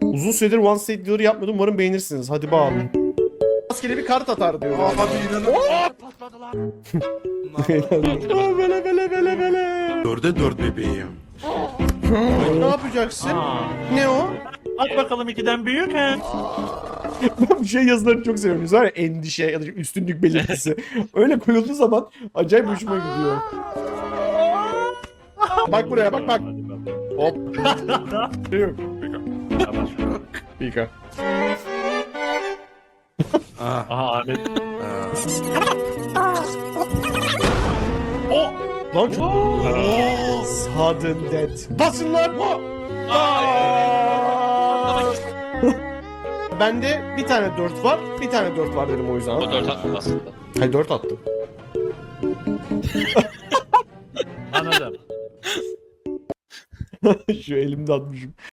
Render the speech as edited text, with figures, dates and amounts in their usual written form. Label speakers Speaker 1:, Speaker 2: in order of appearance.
Speaker 1: Uzun süredir One State Dealer yapmıyordum. Umarım beğenirsiniz. Hadi bağlayın. Rastgele bir kart atar diyor.
Speaker 2: Hadi inanın.
Speaker 3: Patladılar.
Speaker 1: Böyle.
Speaker 2: 4'e 4 bebeğim.
Speaker 1: Ne yapacaksın? Ne o?
Speaker 3: At bakalım 2'den büyük he.
Speaker 1: Ben bu şey yazılarını çok seviyorum. Var ya, endişe ya da üstünlük belirtisi. Öyle koyulduğu zaman acayip hoşuma gidiyor. Bak buraya bak. Hop. Yok. Pika.
Speaker 3: Aha Ahmet.
Speaker 1: Lan çok... Sudden death. Basın lan! Bende bir tane 4 var, bir tane 4 var dedim o yüzden.
Speaker 4: O 4 attım aslında.
Speaker 1: Hayır 4 attım.
Speaker 3: Anladım.
Speaker 1: Şu elimde atmışım.